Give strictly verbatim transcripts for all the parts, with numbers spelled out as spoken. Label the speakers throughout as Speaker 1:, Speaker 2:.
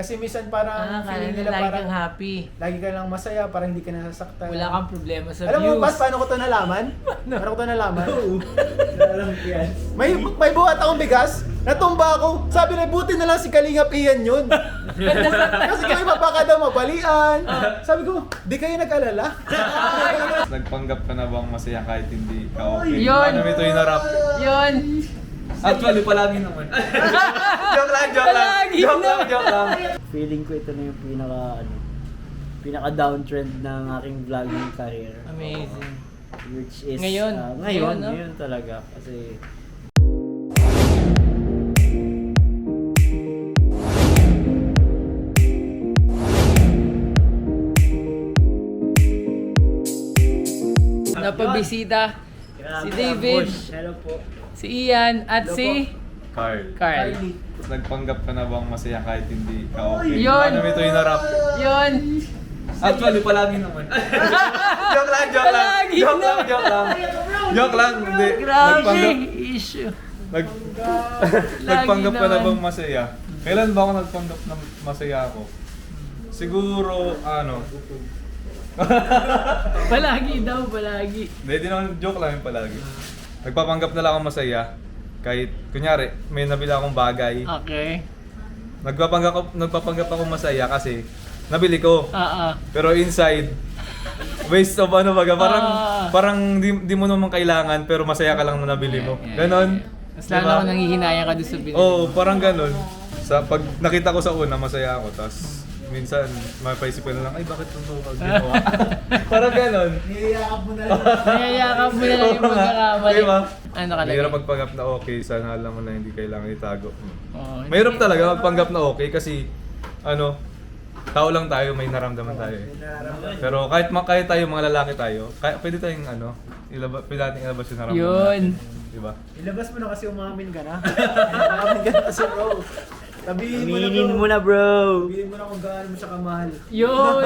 Speaker 1: Kasi minsan parang
Speaker 2: Ah, kala
Speaker 1: feeling
Speaker 2: nila
Speaker 1: nila
Speaker 2: lagi
Speaker 1: parang
Speaker 2: kang happy.
Speaker 1: lagi ka lang masaya, parang hindi ka nasasaktan.
Speaker 2: Wala kang problema sa
Speaker 1: Alam mo,
Speaker 2: views.
Speaker 1: Bas, paano ko to nalaman? Paano ko to nalaman? May may buhat akong bigas, natumba ako. Sabi na, buti na lang si Kalingap Ian yun. Kasi kami mapaka daw mabalian. Sabi ko, di kayo nag-alala?
Speaker 3: Nagpanggap ka na bang masaya kahit hindi ka okay?
Speaker 2: Yun.
Speaker 3: Paano mo ito hinarap?
Speaker 2: Yun!
Speaker 3: Actually, palagi naman. joke lang, joke lang.
Speaker 2: Palagi
Speaker 3: Joke lang,
Speaker 2: naman.
Speaker 3: joke lang.
Speaker 4: Feeling ko ito na yung pinaka ano, pinaka downtrend ng aking vlogging career.
Speaker 2: Amazing.
Speaker 4: Which is
Speaker 2: Ngayon.
Speaker 4: ah, ngayon,
Speaker 2: Ngayon, no?
Speaker 4: ngayon talaga kasi
Speaker 2: Napabisita
Speaker 4: Grabe,
Speaker 2: si David,
Speaker 4: ambush. Hello po.
Speaker 2: si Ian, at
Speaker 4: Hello
Speaker 2: si
Speaker 3: Carl,
Speaker 2: Carl.
Speaker 3: nagpanggap ka na bang masaya kahit hindi ka okay?
Speaker 2: Yun.
Speaker 3: Paano mo ito hinarap?
Speaker 2: Yun!
Speaker 3: Actually, palagi naman. joke lang, joke lang.
Speaker 2: Palagi
Speaker 3: Joke lang,
Speaker 2: naman.
Speaker 3: joke lang. Joke lang, hindi.
Speaker 2: Grabe!
Speaker 3: Nagpanggap,
Speaker 2: Issue.
Speaker 3: nag, nagpanggap ka na
Speaker 2: naman.
Speaker 3: bang masaya? Kailan ba ako nagpanggap na masaya ako? Siguro, ano,
Speaker 2: Palagi daw, palagi.
Speaker 3: hindi, di naman joke lang yung palagi. Nagpapanggap na lang ako masaya. Kahit, kunyari, may nabila akong bagay.
Speaker 2: Okay.
Speaker 3: Nagpapanggap, ako- nagpapanggap ako masaya kasi nabili ko.
Speaker 2: Ah, ah.
Speaker 3: Pero inside, waste of ano baga, parang
Speaker 2: Ah.
Speaker 3: parang di, di mo naman kailangan pero masaya ka lang na nabili mo. Ganon.
Speaker 2: Mas lalo ako nanghihinayang ka doon sa binili.
Speaker 3: Oo, parang ganon. Sa pag nakita ko sa una, masaya ako. Tapos minsan, mapaisip ko na lang, ay bakit ito pag ginawa? parang ganon.
Speaker 1: Niyayakap mo na lang.
Speaker 2: Nayayakap mo na lang yung pagkakamali.
Speaker 3: Diba?
Speaker 2: Ano ka
Speaker 3: Mahirap magpanggap na okay, sana alam mo na hindi kailangan itago.
Speaker 2: Oh,
Speaker 3: Mahirap talaga magpanggap na okay kasi ano, tao lang tayo, may naramdaman tayo eh. Pero kahit ma- kahit tayo mga lalaki tayo, kaya pwede tayong ano, ilabas, pwede natin ilabas yung naramdaman
Speaker 2: Yun.
Speaker 3: natin. Diba?
Speaker 1: Ilabas mo na kasi umamin ka na. Umamin ka na kasi bro. Sabihin mo na bro.
Speaker 4: Aminin mo na, bro.
Speaker 1: Sabihin mo na kung gaano mo siya kamahal.
Speaker 2: Yun!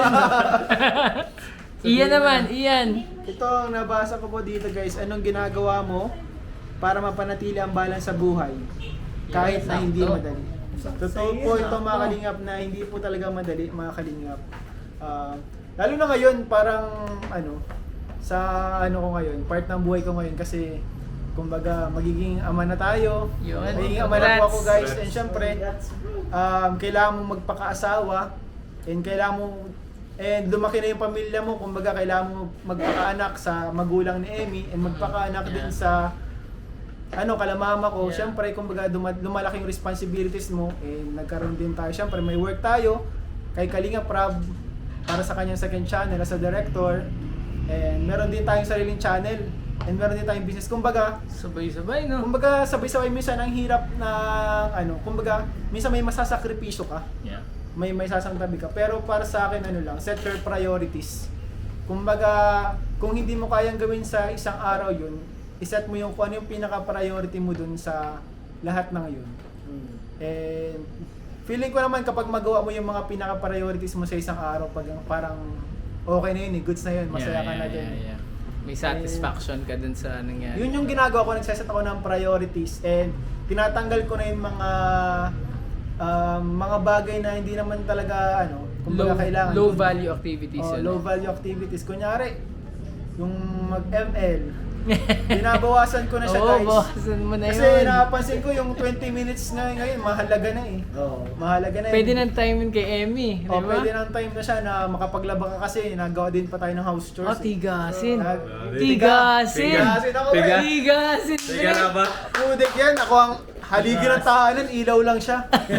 Speaker 2: Iyan naman, Iyan.
Speaker 1: Ito, nabasa ko po dito guys, anong ginagawa mo para mapanatili ang balance sa buhay kahit na hindi
Speaker 2: Sakto.
Speaker 1: madali. Totoo po ito mga kalingap na hindi po talaga madali mga kalingap. Ah, lalo na ngayon parang ano sa ano ko ngayon, part ng buhay ko ngayon kasi kumbaga magiging ama na tayo.
Speaker 2: Yun.
Speaker 1: Magiging ama na po ako guys
Speaker 3: Congrats.
Speaker 1: and syempre um, kailangan mo magpakaasawa and kailangan mo and lumaki na yung pamilya mo, kumbaga kailangan mo magpakaanak sa magulang ni Emmy and magpakaanak din
Speaker 2: Yeah.
Speaker 1: sa ano kalamama ko.
Speaker 2: Yeah.
Speaker 1: Syempre kumbaga duma- lumalaki yung responsibilities mo and nagkaroon din tayo. Syempre may work tayo kay Kalinga Prab para sa kanyang second channel as a director and meron din tayong sariling channel and meron din tayong business. Kumbaga
Speaker 2: Sabay-sabay, no?
Speaker 1: kumbaga sabay-sabay minsan ang hirap na ano, kumbaga minsan may masasakripisyo ka.
Speaker 2: Yeah.
Speaker 1: May may sasantabi ka. Pero para sa akin ano lang, set your priorities. Kumbaga, kung hindi mo kayang gawin sa isang araw yun, iset mo yung kung ano yung pinaka-priority mo dun sa lahat ng yun. And feeling ko naman kapag magawa mo yung mga pinaka-priorities mo sa isang araw, pag parang okay na yun eh, goods na yun, masaya ka na dun.
Speaker 2: yeah, yeah. May satisfaction ka dun sa nangyari.
Speaker 1: Yun yung ginagawa ko, nagsaset ako ng priorities and tinatanggal ko na yung mga um, mga bagay na hindi naman talaga ano, kumbaga
Speaker 2: Low,
Speaker 1: kailangan.
Speaker 2: low value activities
Speaker 1: Oh,
Speaker 2: yun.
Speaker 1: low value activities. Kunyari, yung mag-M L, binabawasan ko na siya
Speaker 2: Oo,
Speaker 1: guys.
Speaker 2: bawasan mo na
Speaker 1: Kasi
Speaker 2: yun.
Speaker 1: napansin ko yung twenty minutes na ngayon, mahalaga na eh.
Speaker 4: Oo.
Speaker 1: Mahalaga na
Speaker 2: Pwede
Speaker 1: eh.
Speaker 2: ng time yun kay Emmy, di
Speaker 1: Oh,
Speaker 2: ba?
Speaker 1: pwede ng time na siya na makapaglaba ka kasi nagawa din pa tayo ng house chores.
Speaker 2: Oh,
Speaker 1: eh.
Speaker 2: tigasin.
Speaker 1: Ah,
Speaker 2: Tigasin!
Speaker 1: Tigasin ako
Speaker 3: Tiga.
Speaker 1: eh.
Speaker 2: Tigasin!
Speaker 3: Tiga na ba?
Speaker 1: Pudik yan, ako ang haligi ng tahanan, ilaw lang siya.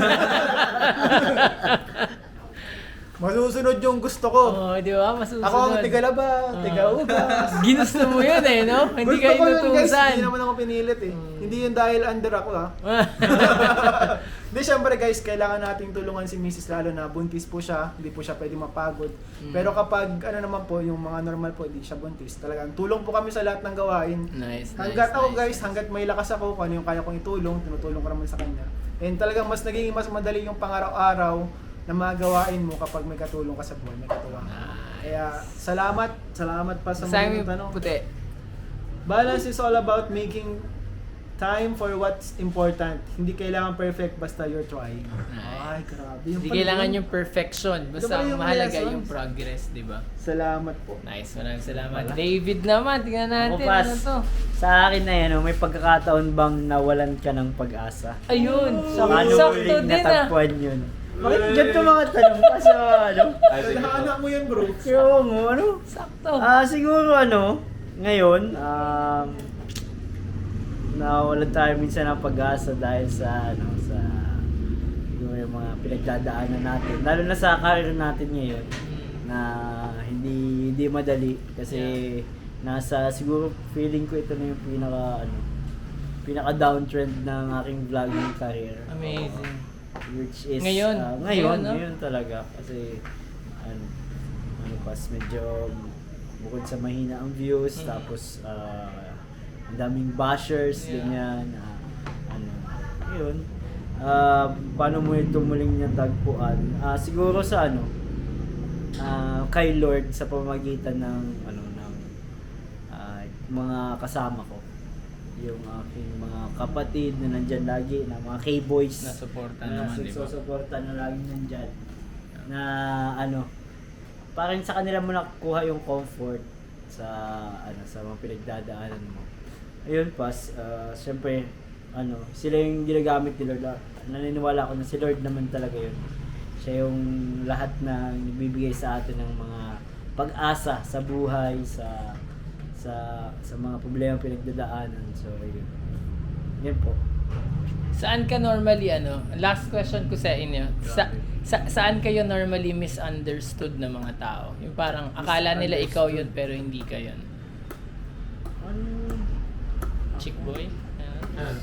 Speaker 1: Masusunod yung gusto ko.
Speaker 2: Oo, di ba? Masusunod.
Speaker 1: Ako ang tigalaba, tigaugas.
Speaker 2: Ginusto mo yun eh, no? Hindi
Speaker 1: Gusto
Speaker 2: kayo
Speaker 1: ko yun, guys.
Speaker 2: inutusan.
Speaker 1: Hindi naman ako pinilit eh. Hindi yun dahil under ako ha. Hindi, syempre guys, kailangan nating tulungan si Missus lalo na buntis po siya. Hindi po siya pwede mapagod. Pero kapag ano naman po, yung mga normal po, hindi siya buntis. Talagang tulong po kami sa lahat ng gawain.
Speaker 2: Nice, nice,
Speaker 1: Hanggat ako
Speaker 2: nice.
Speaker 1: guys, hanggat may lakas ako, kung ano yung kaya kong itulong, tinutulong ko naman sa kanya. And talagang mas naging mas madali yung pang-araw-araw na magawain mo kapag may katulong ka sa buhay, may katuwa. Kaya salamat, salamat pa sa
Speaker 2: Sa
Speaker 1: mga
Speaker 2: amin
Speaker 1: tanong.
Speaker 2: puti.
Speaker 1: Balance is all about making time for what's important. Hindi kailangan perfect, basta you're trying.
Speaker 2: Nice.
Speaker 1: Ay, grabe. Yung
Speaker 2: Hindi
Speaker 1: pala
Speaker 2: kailangan
Speaker 1: yun.
Speaker 2: yung perfection. Basta
Speaker 1: Diba
Speaker 2: ang
Speaker 1: yung
Speaker 2: mahalaga
Speaker 1: lessons?
Speaker 2: yung progress, di ba?
Speaker 1: Salamat po.
Speaker 2: Nice, maraming salamat. David naman, tingnan natin.
Speaker 4: Ako, Pas,
Speaker 2: Ano to?
Speaker 4: sa akin na yan, oh, may pagkakataon bang nawalan ka ng pag-asa?
Speaker 2: Ayun,
Speaker 4: Sa ano
Speaker 2: sakto
Speaker 4: uling
Speaker 2: din ah.
Speaker 4: natagpuan yun? Bakit ganito mga tanong pa sa ano?
Speaker 3: Ay, sige po.
Speaker 1: Anak mo yan, bro.
Speaker 4: Yung ano?
Speaker 2: Sakto.
Speaker 4: Ah, siguro ano, ngayon, um, nawalan tayo minsan ng pag-asa dahil sa ano, sa yung, yung mga pinagdadaanan natin. Lalo na sa career natin ngayon na hindi hindi madali kasi nasa siguro feeling ko ito na yung pinaka ano, pinaka downtrend ng aking vlogging career.
Speaker 2: Amazing.
Speaker 4: Which is
Speaker 2: Ngayon.
Speaker 4: ah,
Speaker 2: Ngayon,
Speaker 4: ngayon,
Speaker 2: no?
Speaker 4: ngayon talaga kasi ano, ano pas medyo bukod sa mahina ang views
Speaker 2: Mm.
Speaker 4: tapos ah, ang daming bashers
Speaker 2: Yeah.
Speaker 4: ganyan ah, ano yun ah, paano mo ito muling natagpuan ah, siguro sa ano ah, kay Lord sa pamamagitan ng ano ng ah, mga kasama ko yung aking mga kapatid na nandyan lagi na mga K-boys
Speaker 2: Nasuporta
Speaker 4: na
Speaker 2: naman, di ba?
Speaker 4: nagsusuporta na lagi nandyan na ano parang sa kanila mo nakukuha yung comfort sa ano sa mga pinagdadaanan mo. Ayun pas, uh, siyempre ano, sila yung ginagamit ni Lord. Ah, naniniwala ako na si Lord naman talaga yun. Siya yung lahat na nagbibigay sa atin ng mga pag-asa sa buhay, sa sa sa mga problema pinagdadaanan. So, yun. Yan po.
Speaker 2: Saan ka normally ano? Last question ko sa inyo. Sa, sa saan kayo normally misunderstood ng mga tao? Yung parang akala nila ikaw yun pero hindi ka yun.
Speaker 4: Ano?
Speaker 2: Chick boy? Ayan.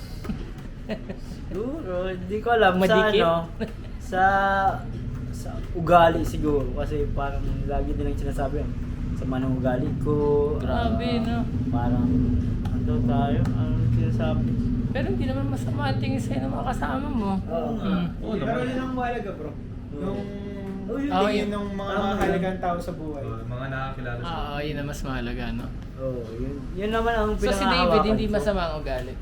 Speaker 4: Siguro, hindi ko alam
Speaker 2: Madikit?
Speaker 4: sa ano, sa sa ugali siguro kasi parang lagi nilang sinasabi ang sama ng ugali ko.
Speaker 2: Grabe,
Speaker 4: ah,
Speaker 2: no?
Speaker 4: Parang ano tayo? Ano sinasabi?
Speaker 2: Pero hindi naman masama ang tingin sa'yo ng mga kasama mo.
Speaker 4: Oo.
Speaker 2: Mm.
Speaker 3: Oo
Speaker 1: Pero
Speaker 3: naman.
Speaker 1: yun ang mahalaga, bro. Yung
Speaker 4: Oh, yun
Speaker 2: Oh,
Speaker 1: tingin
Speaker 2: yun.
Speaker 1: ng mga
Speaker 4: Tama
Speaker 1: mahalagang tao sa buhay.
Speaker 3: Uh, mga nakakilala sa
Speaker 2: Oo, yun ang mas mahalaga, no?
Speaker 4: Oh, yun. Yun naman ang
Speaker 2: So si David,
Speaker 4: pinangahawakan
Speaker 2: hindi
Speaker 4: ko.
Speaker 2: masama ang ugali.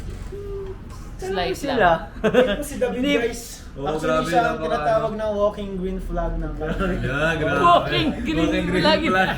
Speaker 4: Talaga
Speaker 2: Slight
Speaker 4: sila.
Speaker 2: lang.
Speaker 1: Ito si David,
Speaker 4: Hindi.
Speaker 1: guys.
Speaker 3: Oo,
Speaker 1: Actually,
Speaker 3: grabe,
Speaker 1: siya ang
Speaker 3: napaka-
Speaker 1: tinatawag na walking green flag ng country.
Speaker 3: Yeah, grabe.
Speaker 2: Walking green
Speaker 3: Walking
Speaker 2: flag.
Speaker 3: flag.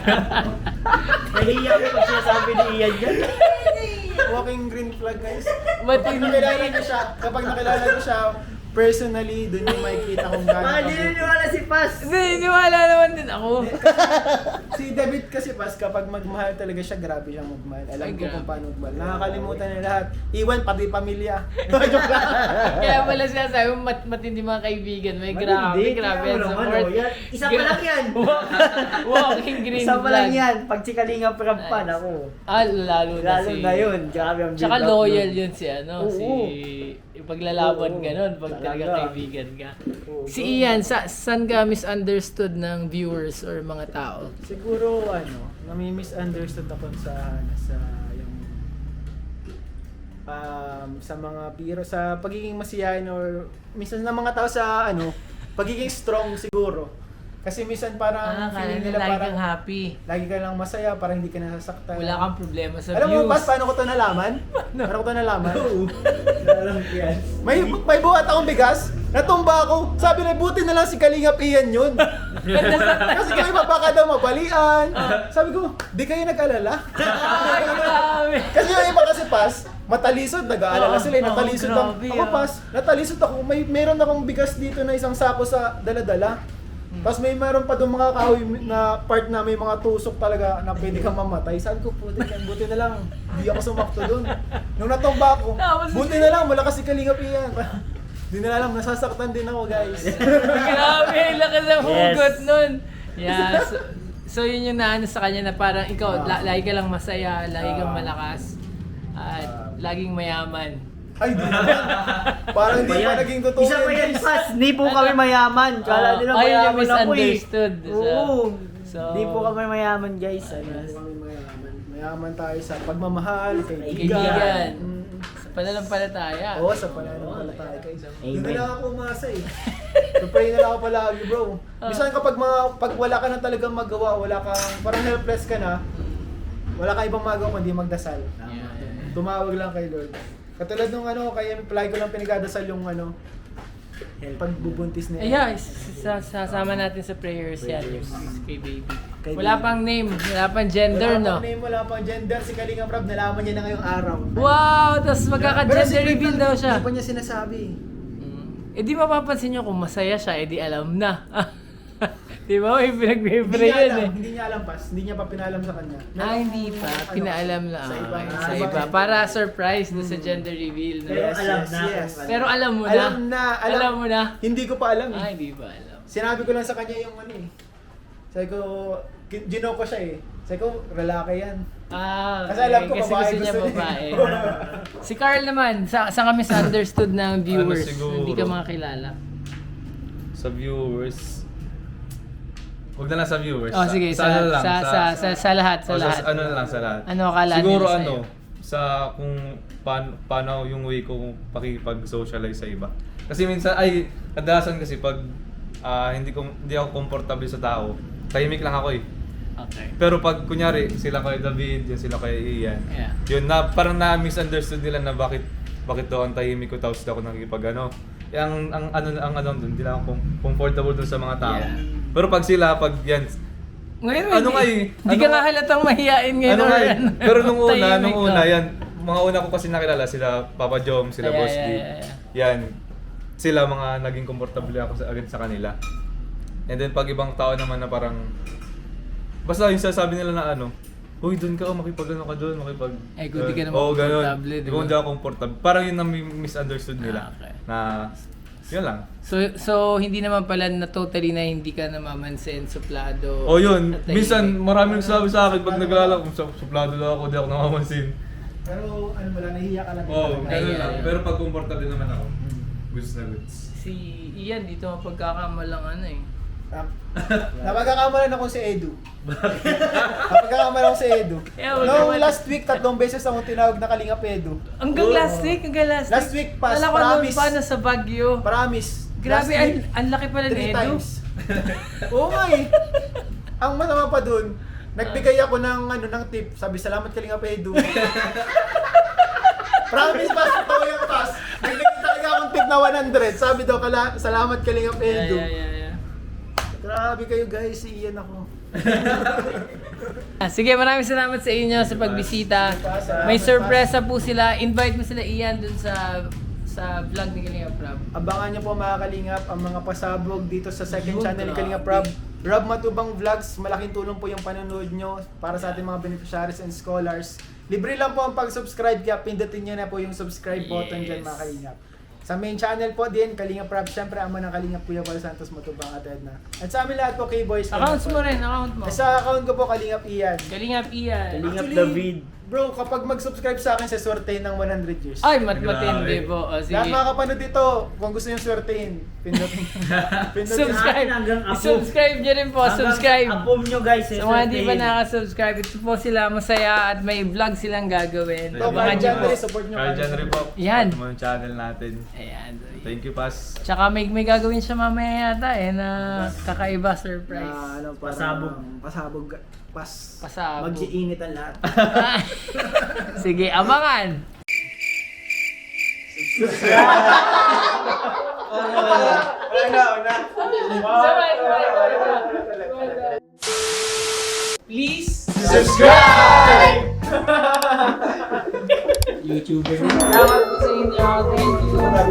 Speaker 4: Nahiya ko pag sinasabi ni Ian yan.
Speaker 1: Walking green flag, guys.
Speaker 2: But
Speaker 1: Kapag
Speaker 2: hindi.
Speaker 1: nakilala niyo siya, kapag nakilala niyo siya personally, doon yung makikita kung gaano
Speaker 4: Ah, hindi
Speaker 1: kabuti.
Speaker 4: niniwala si Paz.
Speaker 2: Hindi, niwala naman din ako.
Speaker 1: Si David kasi pas, kapag magmahal talaga siya, grabe siyang magmahal. Alam
Speaker 2: Ay,
Speaker 1: ko
Speaker 2: grabe.
Speaker 1: kung paano magmahal. Nakakalimutan niya lahat. Iwan, pati pamilya. Joke lang.
Speaker 2: Kaya pala sinasabi mo, mat matindi mga kaibigan. May grabe,
Speaker 4: Matindi,
Speaker 2: grabe
Speaker 4: tingnan
Speaker 2: ang
Speaker 4: mo naman,
Speaker 2: support.
Speaker 4: oh, yan. Isa pa lang yan.
Speaker 2: Walking green
Speaker 4: Isa pa lang
Speaker 2: flag.
Speaker 4: yan. Pag si Kalinga Prabpan
Speaker 2: Nice.
Speaker 4: ako.
Speaker 2: Ah, lalo na
Speaker 4: Lalo
Speaker 2: si...
Speaker 4: na yun. Grabe ang
Speaker 2: Tsaka
Speaker 4: build up
Speaker 2: loyal
Speaker 4: nun.
Speaker 2: yun si ano,
Speaker 4: Oo.
Speaker 2: si... Ipaglalaban
Speaker 4: Oo,
Speaker 2: ganon pag talaga
Speaker 4: talaga.
Speaker 2: kaibigan ka.
Speaker 4: Oo,
Speaker 2: Si
Speaker 4: bro.
Speaker 2: Ian, sa, saan ka misunderstood ng viewers or mga tao?
Speaker 1: Siguro, ano, nami-misunderstood ako sa, ano, sa, yung, um, sa mga biro, sa pagiging masiyahin or, minsan ng mga tao sa, ano, pagiging strong siguro. Kasi minsan parang feeling nila parang,
Speaker 2: Ah, happy.
Speaker 1: lagi ka lang masaya, parang hindi ka nasasaktan.
Speaker 2: Wala kang problema sa
Speaker 1: Alam
Speaker 2: views.
Speaker 1: mo, Bas, paano ko to nalaman? Paano ko to nalaman?
Speaker 4: Alam ko yan.
Speaker 1: May may buhat akong bigas, natumba ako. Sabi na, buti na lang si Kalingap Ian yun. Kasi kami baka daw mabalian. Sabi ko, di kayo nag-alala.
Speaker 2: Ay, grabe.
Speaker 1: Kasi yung iba kasi pas, matalisod, nag-aalala
Speaker 2: Oo,
Speaker 1: sila, eh,
Speaker 2: oo,
Speaker 1: natalisod lang.
Speaker 2: grabe,
Speaker 1: Ako
Speaker 2: ah.
Speaker 1: pas, natalisod ako. May meron akong bigas dito na isang sako sa dala-dala. Tapos may meron pa doon mga kahoy na part na may mga tusok talaga na pwede kang mamatay. Sabi ko, puti ka, buti na lang. Hindi ako sumakto doon. Nung natumba ako,
Speaker 2: Tapos-
Speaker 1: buti na lang, malakas si Kalingap Ian. Hindi na alam, nasasaktan din ako, guys.
Speaker 2: Grabe, lakas ng
Speaker 4: Yes.
Speaker 2: hugot nun. Yeah, so, so yun yung naano sa kanya na parang ikaw, la, lagi ka lang masaya, lagi kang
Speaker 1: Ah.
Speaker 2: malakas, at laging mayaman.
Speaker 1: Ay, di naman. Parang hindi pa naging totoo
Speaker 4: Isa pa yan,
Speaker 1: guys.
Speaker 4: Paz. Hindi po kami mayaman. Kala
Speaker 2: Oo.
Speaker 4: nila
Speaker 2: Ayun yung
Speaker 4: mayaman ako eh.
Speaker 2: misunderstood. So-
Speaker 4: Oo.
Speaker 2: so-
Speaker 4: Hindi po kami mayaman, guys. Ano?
Speaker 1: Hindi kami mayaman. Mayaman tayo sa pagmamahal, kaibigan.
Speaker 2: Kaibigan.
Speaker 1: Mm.
Speaker 2: Sa pananampalataya.
Speaker 1: Oo, sa pananampalataya guys. Doon na
Speaker 4: Amen.
Speaker 1: lang ako umasa eh. So pray na lang ako palagi, bro. Minsan kapag mga, pag wala ka na talagang magawa, wala kang, parang helpless ka na, wala kang ibang magawa kundi magdasal.
Speaker 2: Yeah.
Speaker 1: Tumawag lang kay Lord. Katulad nung ano, kaya palagi ko lang pinagdadasal yung ano, pagbubuntis niya.
Speaker 2: Ay, yeah, sa- sasama natin sa prayers yan, yung kay baby.
Speaker 1: Kay
Speaker 2: Wala
Speaker 1: baby.
Speaker 2: pang name, wala pang gender,
Speaker 1: Wala
Speaker 2: no?
Speaker 1: pang name, wala pang gender. Si Kalinga Prab, nalaman niya na ngayong araw.
Speaker 2: Wow! Tapos
Speaker 1: Pero
Speaker 2: magkaka-gender
Speaker 1: secret
Speaker 2: reveal
Speaker 1: lang,
Speaker 2: daw siya.
Speaker 1: Hindi pa niya sinasabi.
Speaker 2: Mm. Eh di mapapansin nyo kung masaya siya, eh di alam na. Di ba? May
Speaker 1: Hindi
Speaker 2: pinag-pray
Speaker 1: niya
Speaker 2: yan
Speaker 1: alam,
Speaker 2: eh.
Speaker 1: hindi niya alam pas. Hindi niya pa pinalam sa kanya.
Speaker 2: Ah,
Speaker 1: Meron
Speaker 2: hindi
Speaker 1: kung
Speaker 2: pa.
Speaker 1: ano,
Speaker 2: Pinaalam lang.
Speaker 1: Sa iba.
Speaker 2: Okay,
Speaker 1: Ah,
Speaker 2: sa
Speaker 1: iba.
Speaker 2: iba. Para surprise na sa gender reveal. No?
Speaker 4: Pero
Speaker 1: Yes,
Speaker 4: alam
Speaker 1: yes,
Speaker 4: na.
Speaker 1: yes.
Speaker 4: kung ano.
Speaker 2: Pero alam mo na.
Speaker 1: Alam na, alam,
Speaker 2: Alam mo na.
Speaker 1: Hindi ko pa alam eh.
Speaker 2: Ah, hindi ba alam?
Speaker 1: Sinabi ko lang sa kanya yung ano eh. Sabi ko, gin- gino ko siya eh. Sabi ko, lalaki yan.
Speaker 2: Ah,
Speaker 1: Kasi alam ko,
Speaker 2: kasi
Speaker 1: babae
Speaker 2: gusto niya
Speaker 1: gusto niya.
Speaker 2: babae. Si Carl naman, sa sa kami misunderstood ng viewers.
Speaker 3: Ano siguro?
Speaker 2: Hindi ka makakilala.
Speaker 3: Sa viewers. Huwag na lang sa viewers.
Speaker 2: Oh, sige, sa,
Speaker 3: ano
Speaker 2: sa, sa, sa, sa, lahat, sa
Speaker 3: o,
Speaker 2: lahat.
Speaker 3: ano na lang sa lahat.
Speaker 2: Ano akala
Speaker 3: Siguro
Speaker 2: nila
Speaker 3: ano,
Speaker 2: sa'yo?
Speaker 3: sa kung paano, paano yung way ko kung pakipag-socialize sa iba. Kasi minsan, ay, kadalasan kasi pag ah, hindi ko hindi ako komportable sa tao, tahimik lang ako eh.
Speaker 2: Okay.
Speaker 3: Pero pag kunyari, sila kay David, yan sila kay Ian,
Speaker 2: Yeah.
Speaker 3: yun na, parang na-misunderstood nila na bakit bakit daw ang tahimik ko tapos ako nakikipag ano. Yung, ang ano ang ano dun, hindi lang ako com- comfortable dun sa mga tao.
Speaker 2: Yeah.
Speaker 3: Pero pag sila, pag yan,
Speaker 2: Ngayon,
Speaker 3: Ano
Speaker 2: hindi,
Speaker 3: nga eh,
Speaker 2: hindi
Speaker 3: ano
Speaker 2: ka
Speaker 3: nga-
Speaker 2: nga halatang mahihain ngayon.
Speaker 3: ano nga
Speaker 2: or
Speaker 3: eh,
Speaker 2: ano.
Speaker 3: pero nung una,
Speaker 2: Tahimik
Speaker 3: nung
Speaker 2: ka.
Speaker 3: una, yan, mga una ko kasi nakilala, sila Papa Jom, sila
Speaker 2: Yeah,
Speaker 3: Boss
Speaker 2: yeah,
Speaker 3: D.
Speaker 2: yeah, yeah.
Speaker 3: Yan, sila mga naging komportable ako sa, agad sa kanila. And then pag ibang tao naman na parang, basta yung sasabi nila na ano, uy, doon ka, oh, makipag-ano ka doon, makipag...
Speaker 2: Eh, kung di ka naman
Speaker 3: Oo, ganun.
Speaker 2: komportable, di
Speaker 3: Di ko
Speaker 2: ba?
Speaker 3: hindi ako komportable. Parang yun ang misunderstood nila.
Speaker 2: Ah, okay.
Speaker 3: Na, yun lang.
Speaker 2: So, so hindi naman pala na totally na hindi ka namamansin, suplado.
Speaker 3: O yun,
Speaker 2: at tahimik.
Speaker 3: minsan maraming nagsasabi sa akin pag naglalaro, kung sa- suplado lang ako, di ako namamansin.
Speaker 1: Pero ano wala, nahihiya ka lang.
Speaker 3: Oo, oh,
Speaker 1: talaga.
Speaker 3: ganun
Speaker 2: Ay,
Speaker 3: lang.
Speaker 2: ay, ay.
Speaker 3: Pero pag komportable naman ako, goods na goods.
Speaker 2: Si Ian, dito mapagkakamalang ano eh.
Speaker 1: Ah, Napagkakamalan ako si Edu. Napagkakamalan ako si Edu.
Speaker 2: Yeah, wag
Speaker 1: No,
Speaker 2: naman.
Speaker 1: last week, tatlong beses akong tinawag na Kalingap Edu.
Speaker 2: Hanggang
Speaker 3: Oo.
Speaker 2: last week, hanggang last week.
Speaker 1: Last week pas,
Speaker 2: Alam ko noon
Speaker 1: promise.
Speaker 2: pa, nasa Baguio.
Speaker 1: Promise.
Speaker 2: Grabe,
Speaker 1: Last
Speaker 2: ang,
Speaker 1: week,
Speaker 2: ang laki pala ni
Speaker 1: three
Speaker 2: Edu.
Speaker 1: times. Oo nga eh. Ang masama pa dun, nagbigay ako ng ano ng tip. Sabi, salamat Kalingap Edu. Promise pas, totoo yung pas. Nagbigay talaga akong tip na one hundred. Sabi daw, kala, salamat Kalingap
Speaker 2: Yeah,
Speaker 1: Edu.
Speaker 2: yeah, yeah, yeah.
Speaker 1: Grabe kayo guys, si Ian ako.
Speaker 2: Ah, sige, maraming salamat sa inyo sa pagbisita. May sorpresa po sila. Invite mo sila Ian dun sa sa vlog ni Kalinga Prab.
Speaker 1: Abangan niyo po mga Kalingap ang mga pasabog dito sa second
Speaker 2: Yun,
Speaker 1: channel ni
Speaker 2: grabe.
Speaker 1: Kalingap Rob. Rob Matubang Vlogs, malaking tulong po yung panonood nyo para sa ating mga beneficiaries and scholars. Libre lang po ang pag-subscribe kaya pindutin nyo na po yung subscribe button dyan
Speaker 2: Yes.
Speaker 1: mga Kalingap. Sa main channel po din, Kalingap Rob, syempre ama ng Kalingap Kuya Val Santos Matubang at Edna. At sa amin lahat po K-Boys.
Speaker 2: Accounts mo rin, account mo.
Speaker 1: Eh, sa account ko po Kalingap Ian.
Speaker 2: Kalingap Ian.
Speaker 4: Kalingap
Speaker 1: Actually,
Speaker 4: David.
Speaker 1: Bro, kapag mag-subscribe sa akin, sa swerte ng one hundred years.
Speaker 2: Ay, mat
Speaker 3: Grabe.
Speaker 2: matindi po. O, sige.
Speaker 1: Lahat mga kapanood dito, kung gusto nyo swertein, pindutin. pindutin.
Speaker 2: Subscribe.
Speaker 4: Hanggang apo.
Speaker 2: Subscribe nyo rin po. Subscribe.
Speaker 4: Apom nyo guys.
Speaker 2: Sa mga di pa nakasubscribe, ito po sila masaya at may vlog silang gagawin.
Speaker 1: Ito,
Speaker 2: Abangan
Speaker 1: kahit
Speaker 2: nyo
Speaker 1: dyan,
Speaker 2: po.
Speaker 1: support nyo.
Speaker 3: Kaya dyan rin po.
Speaker 2: Yan.
Speaker 3: Sa mga channel natin.
Speaker 2: Ayan.
Speaker 3: Thank you, Pas.
Speaker 2: Tsaka may, may gagawin siya mamaya yata eh na kakaiba surprise.
Speaker 1: Na, ano, parang-
Speaker 4: Pasabog.
Speaker 1: Pasabog. Pas.
Speaker 2: Pasabog.
Speaker 1: Mag-iinit ang lahat.
Speaker 2: Sige, abangan!
Speaker 1: Una, una.
Speaker 2: Sabay, sabay, sabay, sabay. Please
Speaker 1: Subscribe!
Speaker 2: YouTuber. Salamat po sa inyo. Thank you.